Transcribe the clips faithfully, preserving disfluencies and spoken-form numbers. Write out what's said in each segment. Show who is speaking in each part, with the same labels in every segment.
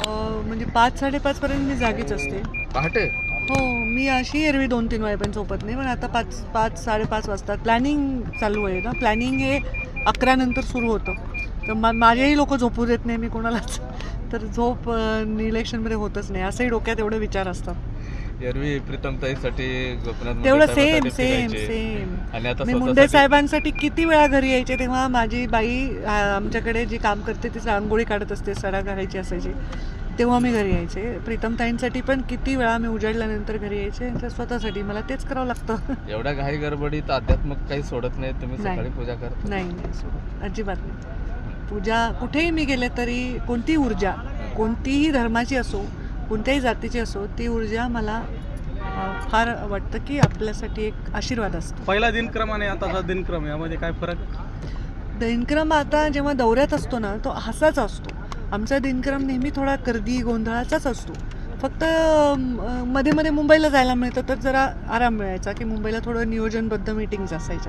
Speaker 1: म्हणजे पाच साडेपाच पर्यंत मी जागीच असते.
Speaker 2: पहाटे?
Speaker 1: हो, मी अशी एरवी दोन तीन वाजेपर्यंत झोपत नाही, पण आता पाच पाच साडेपाच वाजता प्लॅनिंग चालू आहे ना. प्लॅनिंग हे अकरा नंतर सुरू होतं, तर मा माझेही लोक झोपू देत नाही मी कोणालाच. तर झोप इलेक्शनमध्ये होतच नाही, असंही डोक्यात एवढे विचार असतात.
Speaker 2: एरवी प्रीतमताईसाठी गोपीनाथ
Speaker 1: तेवढं
Speaker 2: मुंडे
Speaker 1: सेम
Speaker 2: साहेबांसाठी
Speaker 1: सेम
Speaker 2: फिरायचे.
Speaker 1: सेम
Speaker 2: आणि आता
Speaker 1: मी मुंडे
Speaker 2: स्वतःसाठी
Speaker 1: साहेबांसाठी किती वेळा घरी यायचे, तेव्हा माझी बाई आ, आमच्याकडे जी काम करते ती रांगोळी काढत असते, सडा घालायची असायची, तेव्हा मी घरी यायचे. प्रीतमताईंसाठी पण किती वेळा मी उजाडल्यानंतर घरी यायचे. तर स्वतःसाठी मला तेच करावं लागतं.
Speaker 2: एवढ्या घाई गडबडीत अध्यात्मक काही सोडत नाही तुम्ही?
Speaker 1: नाही.
Speaker 2: सकाळी पूजा करता?
Speaker 1: नाही नाही सोबत अजिबात नाही. पूजा कुठेही मी गेले तरी कोणती ऊर्जा, कोणतीही धर्माची असो, कोणत्याही जातीची असो, ती ऊर्जा मला अ, फार वाटतं की आपल्यासाठी एक आशीर्वाद असतो.
Speaker 3: पहिला दिनक्रम आणि आताचा दिनक्रम यामध्ये काय फरक?
Speaker 1: दिनक्रम आता जेव्हा दौऱ्यात असतो ना, तो असाच असतो. आमचा दिनक्रम नेहमी थोडा गर्दी गोंधळाचाच असतो. फक्त अ, मध्ये मध्ये मुंबईला जायला मिळतं, तर जरा आराम मिळायचा की मुंबईला थोडं नियोजनबद्ध मीटिंग्स असायच्या.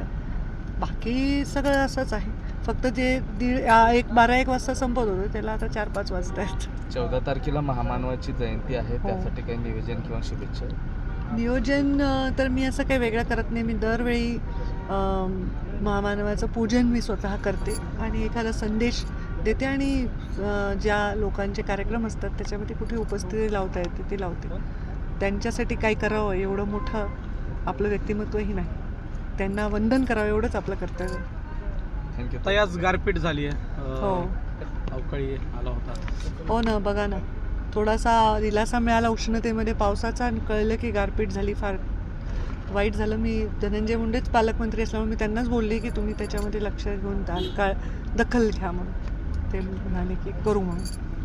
Speaker 1: बाकी सगळं असंच आहे. फक्त जे दीड आ, एक बारा एक वाजता संपत होतं, त्याला आता चार पाच वाजता आहेत.
Speaker 2: चौदा तारखेला महामानवाची जयंती आहे,
Speaker 1: हो.
Speaker 2: त्यासाठी काही नियोजन किंवा शुभेच्छा?
Speaker 1: नियोजन अ, तर मी असं काही वेगळं करत नाही. मी दरवेळी अम, महामानवाचं पूजन मी स्वतः करते आणि एखादा संदेश देते आणि अ, ज्या लोकांचे कार्यक्रम असतात त्याच्यामध्ये कुठे उपस्थिती लावता येते ती लावते. त्यांच्यासाठी काय करावं एवढं मोठं आपलं व्यक्तिमत्वही नाही. त्यांना वंदन करावं एवढंच आपलं कर्तव्य.
Speaker 2: थँक्यू.
Speaker 3: आता आज गारपीट झाली आहे,
Speaker 1: हो
Speaker 3: अवकाळी आला होता.
Speaker 1: हो ना, बघा ना, थोडासा दिलासा मिळाला उष्णतेमध्ये पावसाचा आणि कळलं की गारपीट झाली. फार वाईट झालं. मी धनंजय मुंडेच पालकमंत्री असल्यामुळे मी त्यांनाच बोलले की तुम्ही त्याच्यामध्ये लक्ष घेऊन तात्काळ दखल घ्या म्हणून. ते म्हणाले की करू म्हणून.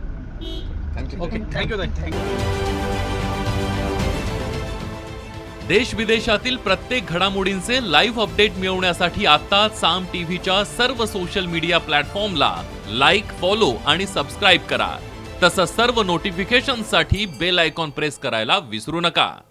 Speaker 2: थँक्यू.
Speaker 3: ओके, थँक्यू ताई. थँक्यू.
Speaker 4: देश विदेशातील प्रत्येक घडामोडींचे लाईव्ह अपडेट मिळवण्यासाठी आता साम टीव्हीच्या सर्व सोशल मीडिया प्लॅटफॉर्मला लाईक, फॉलो आणि सबस्क्राईब करा. तसंच सर्व नोटिफिकेशनसाठी बेल आयकॉन प्रेस करायला विसरू नका.